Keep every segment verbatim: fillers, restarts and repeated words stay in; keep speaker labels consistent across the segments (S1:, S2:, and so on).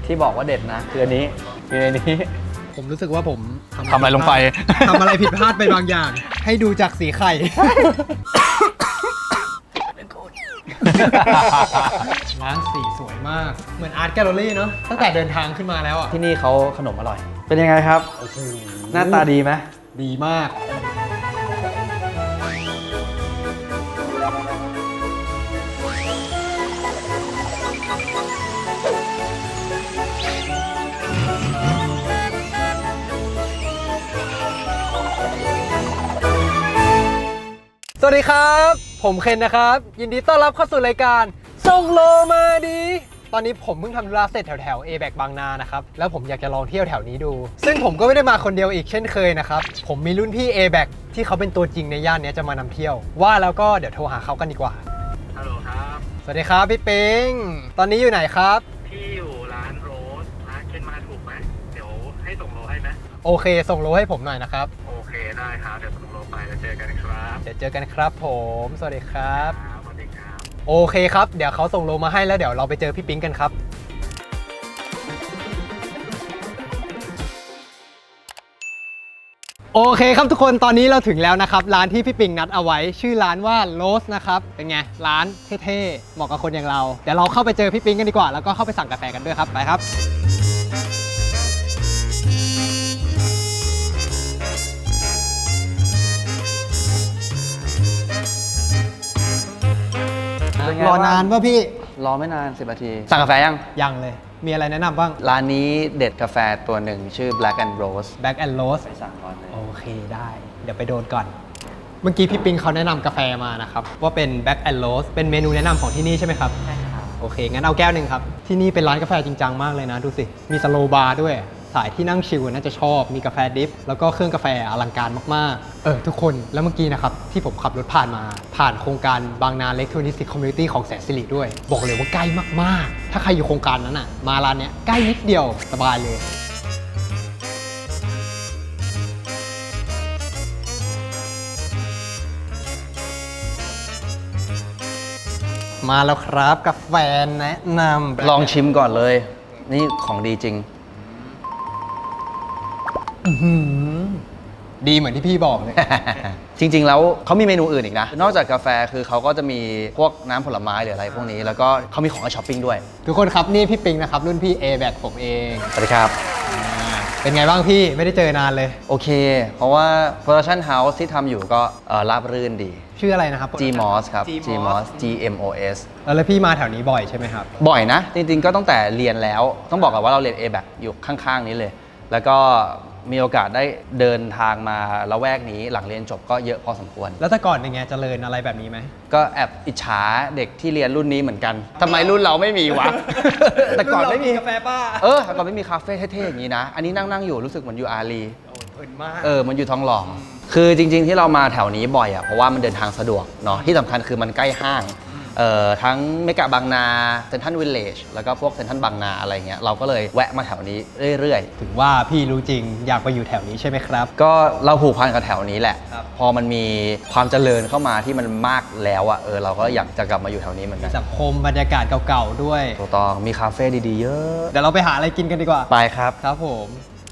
S1: ที่บอกว่าเด็ดนะคืออันนี้คืออันนี้
S2: ผมรู้สึกว่าผม
S1: ทำอะไรลงไป
S2: ทำอะไรผิดพลาดไปบางอย่าง ให้ดูจากสีไข่ร้านสีสวยมากเหมือนอาร์ตแกลเลอรี่เนาะตั้งแต่เดินทางขึ้นมาแล้วอ่ะ
S1: ที่นี่เขาขนมอร่อยเป็นยังไงครับหน้าตาดีไหม
S2: ดีมากสวัสดีครับผมเคนนะครับยินดีต้อนรับเข้าสู่รายการส่งโลมาดีตอนนี้ผมเพิ่งทำธุระเสร็จแถวแถว เอ แบค บางนานะครับแล้วผมอยากจะลองเที่ยวแถวนี้ดูซึ่งผมก็ไม่ได้มาคนเดียวอีกเช่นเคยนะครับผมมีรุ่นพี่ เอ แบค ที่เขาเป็นตัวจริงในย่านนี้จะมานำเที่ยวว่าแล้วก็เดี๋ยวโทรหาเขากันดีกว่า
S3: ฮัลโหลครับ
S2: สวัสดีครับพี่ปิงตอนนี้อยู่ไหนครับ
S3: พี่อยู่ร้านโรสร้านเคนมาถูกไหมเดี๋ยวให้ส่งโลให้ไหม
S2: โอเคส่งโลให้ผมหน่อยนะครับ
S3: โอเคได้ครับเดี๋ยวส่งโลไปแล้วเจอกันครับ
S2: เดี๋ยวเจอกันครับผมสวัสดีครับ
S3: สวัสดีครับ
S2: โอเคครับเดี๋ยวเขาส่งโลมาให้แล้วเดี๋ยวเราไปเจอพี่ปิงกันครับโอเคครับทุกคนตอนนี้เราถึงแล้วนะครับร้านที่พี่ปิงนัดเอาไว้ชื่อร้านว่าโรสนะครับเป็นไงร้านเท่ๆเหมาะกับคนอย่างเราเดี๋ยวเราเข้าไปเจอพี่ปิงกันดีกว่าแล้วก็เข้าไปสั่งกาแฟกันด้วยครับไปครับรอนานป่ะพี่
S1: รอไม่นานสิบนาทีสั่งกาแฟยัง
S2: ยังเลยมีอะไรแนะนำบ้าง
S1: ร้านนี้เด็ดกาแฟตัวหนึ่งชื่อ Black and Rose
S2: Black and Rose
S1: ไปสั่งก่อนเลย
S2: โอเคได้เดี๋ยวไปโดนก่อนเมื่อกี้พี่ปิงเขาแนะนำกาแฟมานะครับว่าเป็น Black and Rose เป็นเมนูแนะนำของที่นี่ใช่ไหมครับ
S1: ใช่ครับ
S2: โอเคงั้นเอาแก้วหนึ่งครับที่นี่เป็นร้านกาแฟจริงจังมากเลยนะดูสิมีสโลว์บาร์ด้วยสายที่นั่งชิลน่าจะชอบมีกาแฟดิฟแล้วก็เครื่องกาแฟอลังการมากๆเออทุกคนแล้วเมื่อกี้นะครับที่ผมขับรถผ่านมาผ่านโครงการบางนาเล็กทรอนิกส์คอมมูนิตี้ของแสนสิริด้วยบอกเลยว่าใกล้มากๆถ้าใครอยู่โครงการนั้นอ่ะมาร้านเนี้ยใกล้นิดเดียวสบายเลยมาแล้วครับกาแฟแนะนำ
S1: ลองชิมก่อนเลยนี่ของดีจริง
S2: ดีเหมือนที่พี่บอกเลย
S1: จริงๆแล้วเขามีเมนูอื่นอีกนะนอกจากกาแฟคือเขาก็จะมีพวกน้ำผลไม้หรืออะไรพวกนี้แล้วก็เขามีของให้ช้อปปิ้งด้วย
S2: ทุกคนครับนี่พี่ปิงนะครับรุ่นพี่ เอ แบค ผมเอง
S1: สวัสดีครับ
S2: เป็นไงบ้างพี่ไม่ได้เจอนานเลย
S1: โอเคเพราะว่า Production House ที่ทำอยู่ก็ราบรื่นดี
S2: ชื่ออะไรนะครับ
S1: จี มอส ครับ จี มอส จี เอ็ม โอ เอส
S2: แล้วพี่มาแถวนี้บ่อยใช่ไหมครับ
S1: บ่อยนะจริงๆก็ตั้งแต่เรียนแล้วต้องบอกก่อนว่าเราเรียน เอ แบค อยู่ข้างๆนี้เลยแล้วก็มีโอกาสได้เดินทางมาละแวกนี้หลังเรียนจบก็เยอะพอสมควร
S2: แล้วแต่ก่อนเป็นไงเจริญอะไรแบบนี้ไหม
S1: ก็แอบอิจฉาเด็กที่เรียนรุ่นนี้เหมือนกันทำไมรุ่นเราไม่มีวะ แต่ก่อนไม่มี
S2: กาแฟป้า
S1: เออแต่ก่อนไม่มีคาเฟ่เท่ๆอย่างนี้นะอันนี้นั่งนั่งอยู่รู้สึกเหมือนอยู่อารี
S2: เพลินมาก
S1: เออมันอยู่ทองหล่อคือจริงๆที่เรามาแถวนี้บ่อยอ่ะเพราะว่ามันเดินทางสะดวกเนาะที่สำคัญคือมันใกล้ห้างเอ่อทั้งเมกะบางนาเซ็นทรัลวิลเลจแล้วก็พวกเซ็นทรัลบางนาอะไรเงี้ยเราก็เลยแวะมาแถวนี้เรื่อย
S2: ๆถึงว่าพี่รู้จริงอยากไปอยู่แถวนี้ใช่ไหมครับ
S1: ก็เราผูกพันกับแถวนี้แหละพอมันมีความเจริญเข้ามาที่มันมากแล้วอ่ะเออเราก็อยากจะกลับมาอยู่แถวนี้เหมือนกัน
S2: สังคมบรรยากาศเก่าๆด้วย
S1: ถูกต้องมีคาเฟ่ดีๆเยอะ
S2: เดี๋ยวเราไปหาอะไรกินกันดีกว่า
S1: ไปครับ
S2: ครับผม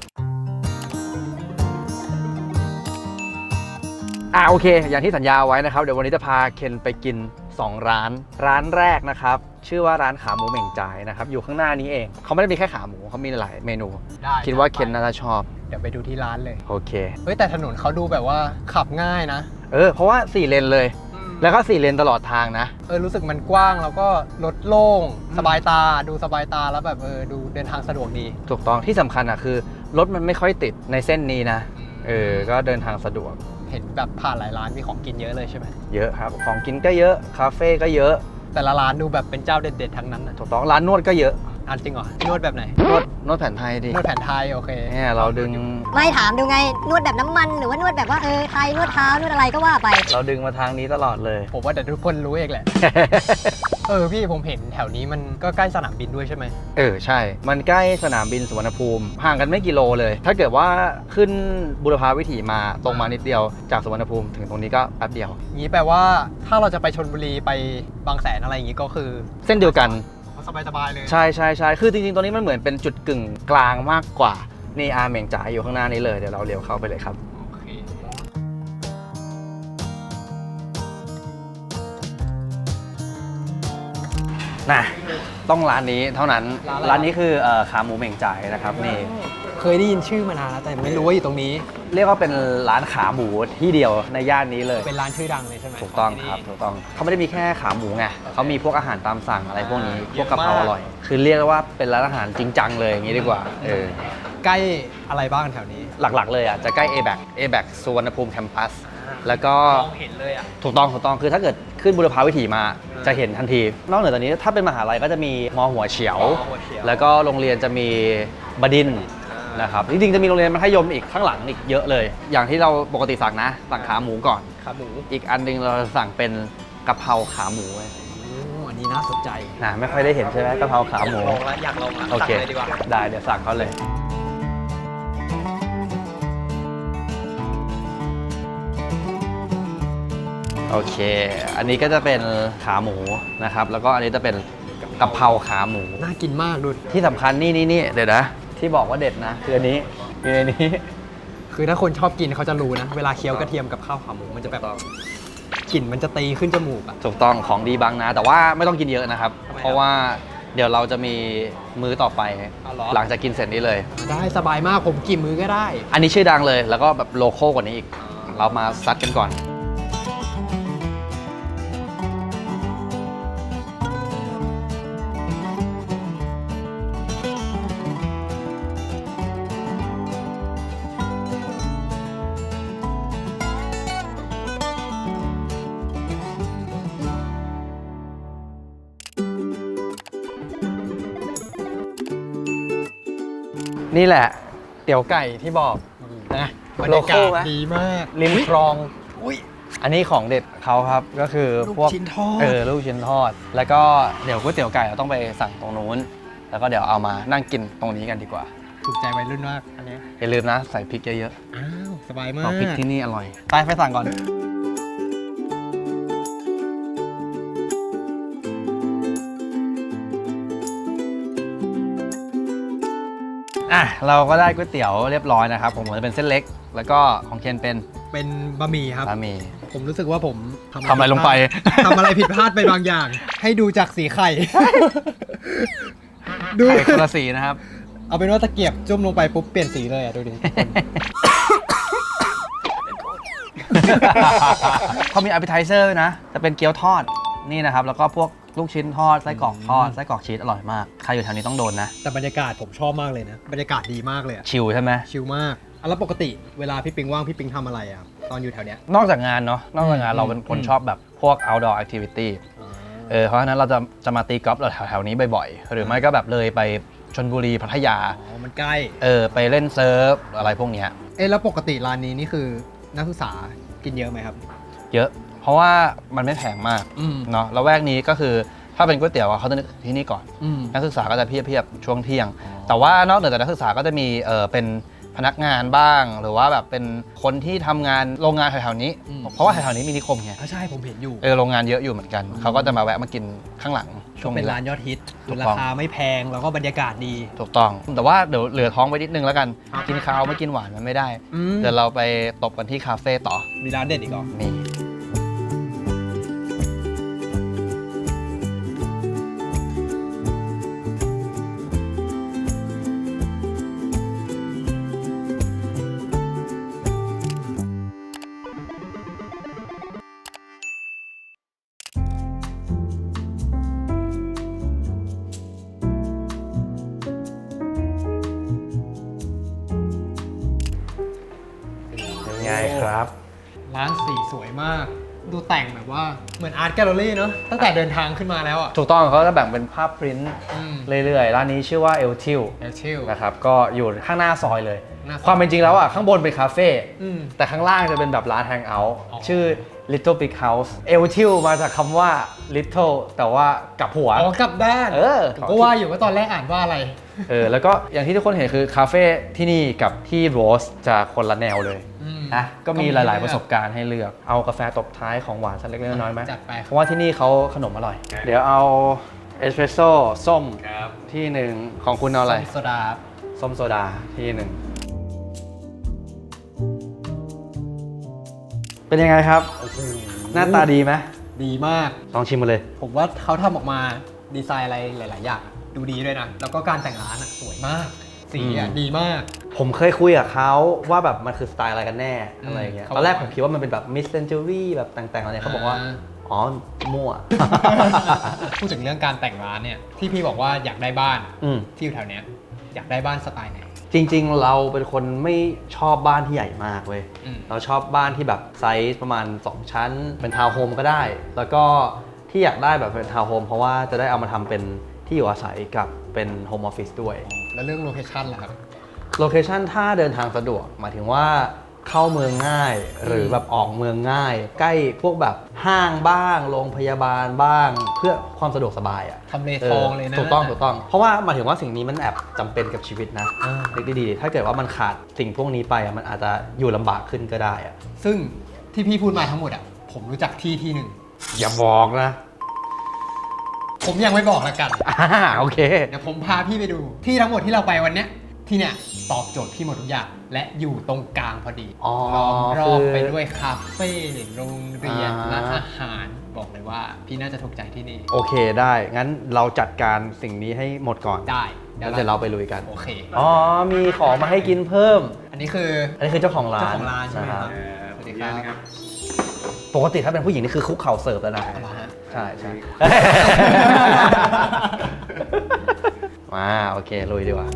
S1: อ่ะโอเคอย่างที่สัญญาไว้นะครับเดี๋ยววันนี้จะพาเคนไปกินสองร้านร้านแรกนะครับชื่อว่าร้านขาหมูเหม่งจ่ายนะครับอยู่ข้างหน้านี้เองเขาไม่ได้มีแค่ขาหมูเขามีหลายเมนูคิดว่าเคนน่าจะชอบ
S2: เดี๋ยวไปดูที่ร้านเลย
S1: โอเค
S2: เฮ้ยแต่ถนนเขาดูแบบว่าขับง่ายนะ
S1: เออเพราะว่าสี่เลนเลยแล้วก็สี่เลนตลอดทางนะ
S2: เออรู้สึกมันกว้างแล้วก็รถโล่งสบายตาดูสบายตาแล้วแบบเออดูเดินทางสะดวกดี
S1: ถูกต้องที่สำคัญอ่ะคือรถมันไม่ค่อยติดในเส้นนี้นะเออก็เดินทางสะดวก
S2: เห็นแบบผ่านหลายร้านมีของกินเยอะเลยใช่ไหม
S1: เยอะครับของกินก็เยอะคาเฟ่ก็เยอะ
S2: แต่ละร้านดูแบบเป็นเจ้าเด็ดๆทั้งนั้นนะ
S1: ถูกต้องร้านนวดก็เยอะ
S2: อันจริงเหรอนวดแบบไหน
S1: นวดนวดแผนไทยดิ
S2: นวดแผนไทยโอเค
S1: เนี่ยเราดึง
S4: ไม่ถามดูไงนวดแบบน้ำมันหรือว่านวดแบบว่าเออไทยนวดเท้านวดอะไรก็ว่าไป
S1: เราดึงมาทางนี้ตลอดเลย
S2: ผมว่าแต่ทุกคนรู้เองแหละ เออพี่ผมเห็นแถวนี้มันก็ใกล้สนามบินด้วยใช่ไหม
S1: เออใช่มันใกล้สนามบินสุวรรณภูมิห่างกันไม่กี่โลเลยถ้าเกิดว่าขึ้นบุรพาวิถีมาตรงมานิดเดียวจากสุวรรณภูมิถึงตรงนี้ก็แป๊บเดียว
S2: งี้แปลว่าถ้าเราจะไปชลบุรีไปบางแสนอะไรอย่างงี้ก็คือ
S1: เส้นเดียวกัน
S2: สบายๆเลย
S1: ใช่ใช่ใช่คือจริงๆตัวนี้มันเหมือนเป็นจุดกึ่งกลางมากกว่านี่อาเหม่งจ๋าอยู่ข้างหน้านี้เลยเดี๋ยวเราเลี้ยวเข้าไปเลยครับ
S2: โอเค
S1: นะต้องร้านนี้เท่านั้น
S2: ร้านอะไร
S1: ร้านนี้คือเอ่อขาหมูเหม่งจ่ายนะครับนี่
S2: เคยได้ยินชื่อมานานแล้วแต่ไม่รู้ว่าอยู่ตรงนี้
S1: เรียกว่าเป็นร้านขาหมูที่เดียวในย่านนี้เลย
S2: เป็นร้านชื่อดังเลยใช่ไหม
S1: ถูกต้อง
S2: ขที่
S1: ครับ
S2: นี่
S1: ถูกต้องเขาไม่ได้มีแค่ขาหมูไงเขามีพวกอาหารตามสั่งอะไรพวกนี้
S2: อ่า
S1: พวกกะเพรา
S2: เยอะมาก
S1: อร่อย คือเรียกได้ว่าเป็นร้านอาหารจริงจังเลยอย่างนี้ดีกว่าเออ
S2: ใกล้อะไรบ้างแถวนี้
S1: หลักๆเลยอ่ะจะใกล้ เอ แบค เอ แบค สุวรรณภูมิแคมปัสแล้วก็
S2: มองเห็นเลยอ่ะ
S1: ถูกต้องถูกต้องคือถ้าเกิดขึ้นบุรพาวิถีมาจะเห็นทันที นอกเหนือจากนี้ถ้าเป็นมหาลัยก็จะมีมอหัวเฉียว
S2: มอหัวเฉียว
S1: แล้วก็โรงเรียนจะมีบดินทร์นะครับจริงๆจะมีโรงเรียนมัธยมอีกข้างหลังอีกเยอะเลย อย่างที่เราปกติสั่งนะสั่งขาหมูก่อน
S2: ขาหมู
S1: อีกอันหนึงเราสั่งเป็นกะเพราขาหมูเว้ย
S2: โอ้อันนี้น่าสนใจ
S1: นะไม่ค่อยได้เห็นใช่ไหมกะเพราขาหมู
S2: ลองละอยากลองละ
S1: โอเค
S2: สั่งเลยดีกว่า
S1: ได้เดี๋ยวสั่งเขาเลย โอเค อันนี้ก็จะเป็นขาหมูนะครับ แล้วก็อันนี้จะเป็นกะเพราขาหมู
S2: น่ากินมากดู
S1: ที่สำคัญนี่นี่นี่เดี๋ยวนะ ที่บอกว่าเด็ดนะ คืออันนี้อยู่ในนี้
S2: คือถ้าคนชอบกินเขาจะรู้นะ เวลาเคี้ยวกระเทียมกับข้าวขาหมูมันจะแบบกลิ่นมันจะตีขึ้นจมูกอ่ะ
S1: ถูกต้องของดีบางนา แต่ว่าไม่ต้องกินเยอะนะครับ
S2: ทำไมครับ
S1: เพราะว่าเดี๋ยวเราจะมีมื้อต่อไป
S2: อ๋อเหรอ
S1: หลังจากกินเสร็จนี้เลย
S2: ได้สบายมากผมกี่มื้อก็ได้
S1: อันนี้ชื่อดังเลย แล้วก็แบบโลโก้กว่านี้อีก เรามาซัดกันก่อน นี่แหละ เตี๋ยวไก่ที่บอก
S2: นะบรร
S1: โล
S2: ยา
S1: โก้
S2: กาศ
S1: ไหม
S2: ดีมาก
S1: ริมคลอง
S2: อุ้ย
S1: อันนี้ของเด็ดเขาครับก็คือ
S2: ลูก
S1: พวก
S2: ชิ้นทอด
S1: เออลูกชิ้นทอด แล้วก็เดี๋ยวก๋วยเตี๋ยวไก่เราต้องไปสั่งตรงนู้น แล้วก็เดี๋ยวเอามานั่งกินตรงนี้กันดีกว่า
S2: ถูกใจวัยรุ่นมากอันเนี้ย
S1: อย่าลืมนะใส่พริกเยอะ
S2: อ้าวสบาย
S1: ๆ
S2: มา
S1: เอา
S2: ก
S1: พริกที่นี่อร่อยไปไปสั่งก่อนอ่ะเราก็ได้ก๋วยเตี๋ยวเรียบร้อยนะครับผมจะเป็นเส้นเล็ก แล้วก็ของเคนเป็น
S2: เป็นบะหมี่ครับ
S1: บะหมี่
S2: ผมรู้สึกว่าผม
S1: ทำอะไรลงไป
S2: ทำอะไรผิดพลาดไปบางอย่าง ให้ดูจากสีไข่ ดู
S1: ไข่คนละสีนะครับ
S2: เอาเป็นว่าตะเกียบจุ่มลงไปปุ๊บเปลี่ยนสีเลยอ่ะดูดิ
S1: เขามี appetizer นะ จะเป็นเกี๊ยวทอดนี่นะครับ แล้วก็พวกลูกชิ้นทอดไส้กรอกทอดไส้กรอกชีสอร่อยมาก ใครอยู่แถวนี้ต้องโดนนะ
S2: แต่บรรยากาศผมชอบมากเลยนะ บรรยากาศดีมากเลยอะ
S1: ชิลใช่ไหม
S2: ชิลมากอ่ะแล้วปกติเวลาพี่ปิงว่างพี่ปิงทำอะไรอ่ะตอนอยู่แถวเนี้ย
S1: นอกจากงานเนาะนอกจากงาน
S2: อืม
S1: เราเป็นคน
S2: อืม
S1: ชอบแบบพวก outdoor activity เออเพราะฉะนั้นเราจะจะมาตีกอล์ฟเราแถวๆนี้บ่อยๆ หรือไม่ก็แบบเลยไปชลบุรีพัทยา
S2: อ๋อมันใกล้
S1: เออไปเล่นเซิร์ฟอะไรพวกเนี้ย
S2: เอ๊ะแล้วปกติร้านนี้นี่คือนักศึกษากินเยอะไหมครับ
S1: เยอะ เพราะว่ามันไม่แพงมาก
S2: อืม
S1: เนาะแล้วแวกนี้ก็คือถ้าเป็นก๋วยเตี๋ยวอะเขาจะนึกที่นี่ก่อน
S2: อืม
S1: นักศึกษาก็จะเพียบๆช่วงเที่ยง
S2: อ๋อ
S1: แต่ว่านอกเหนือจากนักศึกษาก็จะมีเออเป็นพนักงานบ้าง หรือว่าแบบเป็นคนที่ทำงานโรงงานแถวๆนี้ เพราะว่าแถวๆนี้มีนิคมไง
S2: อ่ะใช่ผมเห็นอยู่
S1: เออโรงงานเยอะอยู่เหมือนกัน เขาก็จะมาแวะมากินข้างหลังช่วง
S2: เป็น
S1: นี้แห
S2: ร้า
S1: ละ
S2: นยอดฮิต
S1: ถูก
S2: รา
S1: ต้อง
S2: คาไม่แพงแล้วก็บรรยากาศดี
S1: ถูกต้อง แต่ว่าเดี๋ยวเหลือท้องไว้นิดนึงแล้วกัน
S2: ครับ
S1: กินข้าวไม่กินหวานมันไม่ได้
S2: อืม
S1: เดี๋ยวเราไปตบกันที่คาเฟ่ต่อ
S2: มีร้านเด็ดอีกเหรอ
S1: นี่เป็นไงครับ
S2: ร้านสีสวยมาก ดูแต่งแบบว่าเหมือนอาร์ตแกลเลอรี่เนาะตั้งแต่เดินทางขึ้นมาแล้วอ่ะ
S1: ถูกต้องเขาจะแบ่งเป็นภาพพริ้นท์
S2: อืม
S1: เรื่อยๆ ร้านนี้ชื่อว่าเอลทิล
S2: เอลชิล
S1: นะครับ ก็อยู่ข้างหน้าซอยเลย
S2: หน้าซอย
S1: ความเป็นจริงแล้วอ่ะ ข้างบนเป็นคาเฟ่
S2: อืม
S1: แต่ข้างล่างจะเป็นแบบร้านแฮงเอาท์
S2: อ๋อ
S1: ชื่อ Little Big House เอลทิลมาจากคำว่า Little แต่ว่ากลับหัว
S2: อ๋อกลับด้าน
S1: เออ
S2: ผมก็ว่าอยู่ว่าตอนแรกอ่านว่าอะไร
S1: เออ แล้วก็อย่างที่ทุกคนเห็นคือคาเฟ่ที่นี่กับที่โรสจะคนละแนวเลย
S2: อืม
S1: นะก็มี
S2: ก็มี
S1: หลาย ๆ
S2: เลือก
S1: ประสบการณ์ให้เลือก เอากาแฟตบท้ายของหวานสักเล็กๆน้อยๆไหม
S2: จัดไป
S1: เพราะว่าที่นี่เขาขนมอร่อย เดี๋ยวเอาเอสเปรสโซ่ส้ม
S3: ครับ
S1: ที่หนึ่งของคุณเอาอะไร
S2: โซดา
S1: ส้มโซดาที่หนึ่งเป็นยังไงครับ หน้าตาดีไหม
S2: ดีมาก
S1: ลองชิมมาเลย
S2: ผมว่าเขาทำออกมาดีไซน์อะไรหลาย ๆ อย่างอะดูดีด้วยนะ แล้วก็การแต่งร้านอ่ะสวยมาก สีอ่ะ
S1: อืม
S2: ดีมาก
S1: ผมเคยคุยกับเขาว่าแบบมันคือสไตล์อะไรกันแน่
S2: อืม
S1: อะไรอย่างเงี้ย
S2: เขา
S1: ตอนแรก
S2: บอก
S1: ผมคิดว่ามันเป็นแบบมิสเซนจูรี่แบบแต่งๆอะไรเขาบอกว่า
S2: อ่า
S1: อ๋อ มั่ว
S2: พูดถึงเรื่องการแต่งร้านเนี่ย ที่พี่บอกว่าอยากได้บ้าน
S1: อืม
S2: ที่อยู่แถวเนี้ยอยากได้บ้านสไตล์ไหน
S1: จริงๆ เราเป็นคนไม่ชอบบ้านที่ใหญ่มากเว้ย
S2: อืม
S1: เราชอบบ้านที่แบบไซส์ประมาณ สอง ชั้น เป็นทาวน์โฮมก็ได้ แล้วก็ที่อยากได้แบบเป็นทาวน์โฮมเพราะว่าจะได้เอามาทำเป็นที่อยู่อาศัยกับเป็นโฮมออฟฟิศด้วย
S2: แล้วเรื่องโลเคชั่นล่ะครับ
S1: โลเคชันถ้าเดินทางสะดวกหมายถึงว่าเข้าเมืองง่าย หรือแบบออกเมืองง่าย ใกล้พวกแบบห้างบ้าง โรงพยาบาลบ้าง เพื่อความสะดวกสบายอ่ะ
S2: ทำเลทองเลยนะ
S1: ถูกต้องถูกต้อง เพราะว่าหมายถึงว่าสิ่งนี้มันแอบจำเป็นกับชีวิตนะ
S2: อ่า
S1: เล็กดีๆถ้าเกิดว่ามันขาดสิ่งพวกนี้ไปอะมันอาจจะอยู่ลำบากขึ้นก็ได้อ่ะ
S2: ซึ่งที่พี่พูดมาทั้งหมดอ่ะ ผมรู้จักที่ที่หนึ่ง
S1: อย่าบอกนะ
S2: ผมยังไม่บอกละกัน
S1: อ่าโอเค
S2: เดี๋ยวผมพาพี่ไปดู ที่ทั้งหมดที่เราไปวันเนี้ยที่เนี่ยตอบโจทย์พี่หมดทุกอย่าง และอยู่ตรงกลางพอดี
S1: อ๋อ
S2: ล้อมรอบ
S1: คือ
S2: ไปด้วยคาเฟ่โรงเรียน
S1: อ่า
S2: ร้านอาหารบอกเลยว่าพี่น่าจะถูกใจที่นี่
S1: โอเคได้ งั้นเราจัดการสิ่งนี้ให้หมดก่อน
S2: ได้
S1: แล้วเดี๋ยวเราไปลุยกัน
S2: โอเค
S1: อ๋อ มีของมาให้กินเพิ่ม
S2: อันนี้คือ
S1: อันนี้คือเจ้าของร้าน
S2: เจ้าของร้านใช่ไหมครับ
S1: ะ
S2: สวัสดีครับ
S1: ปกติถ้าเป็นผู้หญิงนี่คือคุกเข่าเสิร์ฟแล้วนะ
S2: เอาละฮะ
S1: ใช่ใช่ มาโอเคลุยดีกว่า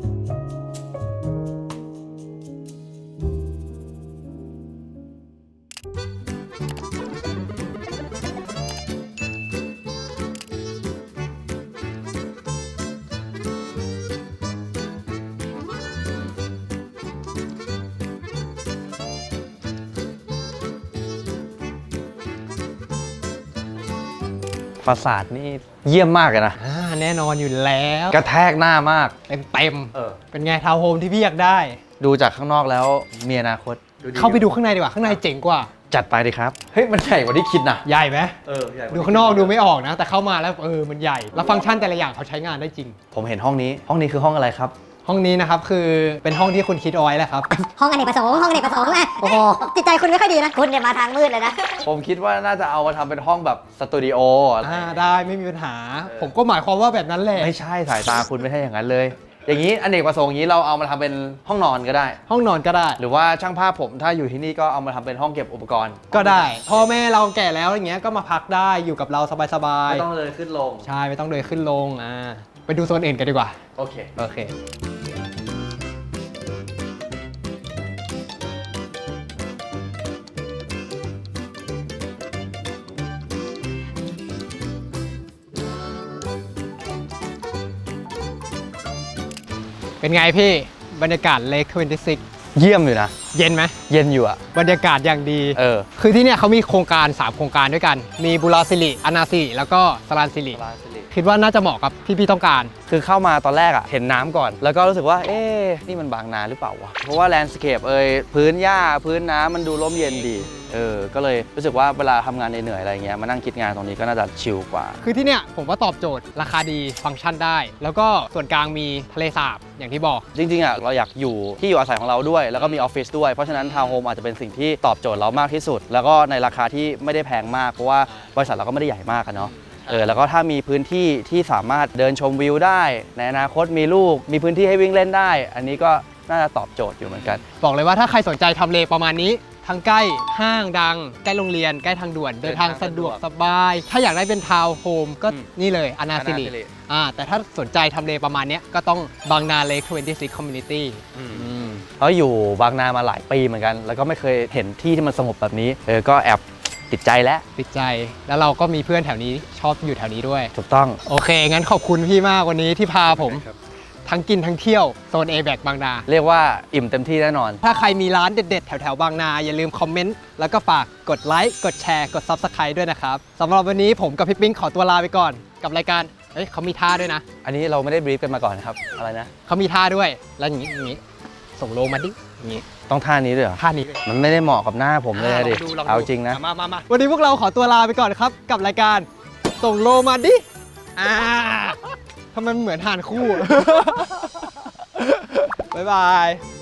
S1: ฟาสาดนี่เยี่ยมมากเลยนะ
S2: อ่าแน่นอนอยู่แล้ว
S1: กระแทกหน้ามาก
S2: เต็มเต็มๆ
S1: เออ
S2: เป็นไงทาวน์โฮมที่พี่อยากได้
S1: ดูจากข้างนอกแล้วมีอนาคต
S2: เข้าไปดูข้างในดีกว่า ข้างในเจ๋งกว่า
S1: จัดไปดิครับ เฮ้ย มันใหญ่กว่าที่คิดนะ
S2: ใหญ่ไหม
S1: เออใหญ่
S2: ดูข้างนอกดูไม่ออกนะ แต่เข้ามาแล้วเออมันใหญ่ แล้วฟังก์ชันแต่ละอย่างเขาใช้งานได้จริง
S1: ผมเห็นห้องนี้ ห้องนี้คือห้องอะไรครับ
S2: ห้องนี้นะครับคือเป็นห้องที่คุณคิดเอาไว้แหละครับ
S4: ห้องอเนกประสงค์ห้องอเนกประสงค์อะโอ้โหจิตใจคุณไม่ค่อยดีนะ คุณเนี่ยมาทางมืดเลยนะ
S1: ผมคิดว่าน่าจะเอามาทำเป็นห้องแบบสตูดิโออะไร
S2: อ่าได้ไม่มีปัญหา ผมก็หมายความว่าแบบนั้นแหละ
S1: ไม่ใช่สายตาคุณไม่ใช่อย่างนั้นเลย อย่างนี้อเนกประสงค์อย่างนี้เราเอามาทำเป็นห้องนอนก็ได้
S2: ห้องนอนก็ได้
S1: หรือว่าช่างภาพผมถ้าอยู่ที่นี่ก็เอามาทำเป็นห้องเก็บอุปกรณ์
S2: ก็ได้พ่อแม่เราแก่แล้วอย่างเงี้ยก็มาพักได้อยู่กับเราสบาย
S1: ไม่ต้องเลยขึ้นลง
S2: ๆใช่ไม่ต้องเดินขึ้นลงอ่าไปดูโซนอื่นกันดีกว่า
S1: โอเค
S2: โอเค เป็นไงพี่บรรยากาศเลคยี่สิบหก
S1: เยี่ยมอยู่นะ
S2: เย็นไหม
S1: เย็นอยู่อะ
S2: บรรยากาศอย่างดี
S1: เออ
S2: คือที่เนี่ยเขามีโครงการ สาม โครงการด้วยกัน มีบุราสิริอนาสิริแล้วก็สรานสิริคิดว่าน่าจะเหมาะกับที่พี่ต้องการ
S1: คือเข้ามาตอนแรกอะเห็นน้ำก่อน แล้วก็รู้สึกว่า เอ๊ะนี่มันบางนาหรือเปล่าวะ เพราะว่าแลนด์สเคปเอยพื้นหญ้าพื้นน้ำมันดูร่มเย็นดี เออ ก็เลยรู้สึกว่าเวลาทำงานเหนื่อยๆอะไรเงี้ย มานั่งคิดงานตรงนี้ก็น่าจะชิลกว่า
S2: คือที่เนี่ยผมว่าตอบโจทย์ราคาดีฟังก์ชันได้ แล้วก็ส่วนกลางมีทะเลสาบอย่างที่บอก
S1: จริงๆอะเราอยากอยู่ที่อยู่อาศัยของเราด้วย แล้วก็มีออฟฟิศด้วย เพราะฉะนั้นทาวน์โฮมอาจจะเป็นสิ่งที่ตอบโจทย์เรามากที่สุด แล้วก็ในราคาที่ไม่ได้แพงมาก เพราะว่าบริษัทเราก็ไม่ได้ใหญ่มากอะเนาะ เออ แล้วก็ถ้ามีพื้นที่ที่สามารถเดินชมวิวได้ ในอนาคตมีลูก มีพื้นที่ให้วิ่งเล่นได้ อันนี้ก็น่าจะตอบโจทย์อยู่เหมือนกัน
S2: บอกเลยว่าถ้าใครสนใจทำเลประมาณนี้ ทั้งใกล้ห้างดัง ใกล้โรงเรียน ใกล้ทางด่วน เดินทางสะดวกสบาย ถ้าอยากได้เป็นทาวน์โฮมก็
S1: อืม
S2: นี่เลยอนาสิริ
S1: อนาสิริ
S2: อ่าแต่ถ้าสนใจทำเลประมาณเนี้ยก็ต้องบางนาเลคยี่สิบหก Community
S1: เขาอยู่บางนามาหลายปีเหมือนกัน แล้วก็ไม่เคยเห็นที่ที่มันสงบแบบนี้ เออ ก็แอบติดใจแล้ว
S2: ติดใจแล้วเราก็มีเพื่อนแถวนี้ชอบอยู่แถวนี้ด้วย
S1: ถูกต้อง
S2: โอเค งั้นขอบคุณพี่มากวันนี้ที่พาผม ทั้งกินทั้งเที่ยวโซน เอ แบก บางนา
S1: เรียกว่าอิ่มเต็มที่แน่นอน
S2: ถ้าใครมีร้านเด็ดๆ แถวๆ บางนา อย่าลืมคอมเมนต์ แล้วก็ฝากกดไลค์ กดแชร์ กด Subscribe ด้วยนะครับสำหรับวันนี้ผมกับพี่ปิ๊งขอตัวลาไปก่อน กับรายการ เฮ้ยเขามีท่าด้วยนะ
S1: อันนี้เราไม่ได้บรีฟกันมาก่อนนะครับ อะไรนะ
S2: เขามีท่าด้วย แล้วอย่างนี้อย่างนี้ ส่งโลมาดิ อย่างนี้
S1: ต้องท่านี้ด้วยเหรอ
S2: ท่านี้เลย
S1: มันไม่ได้เหมาะกับหน้าผมเลยอะดิ
S2: ลองดูลองดู
S1: เอาจริงนะ
S2: มามามาวันนี้พวกเราขอตัวลาไปก่อนครับ กับรายการส่งโลมาดิอ่าทำไมมันเหมือนทานคู่ บ๊ายบาย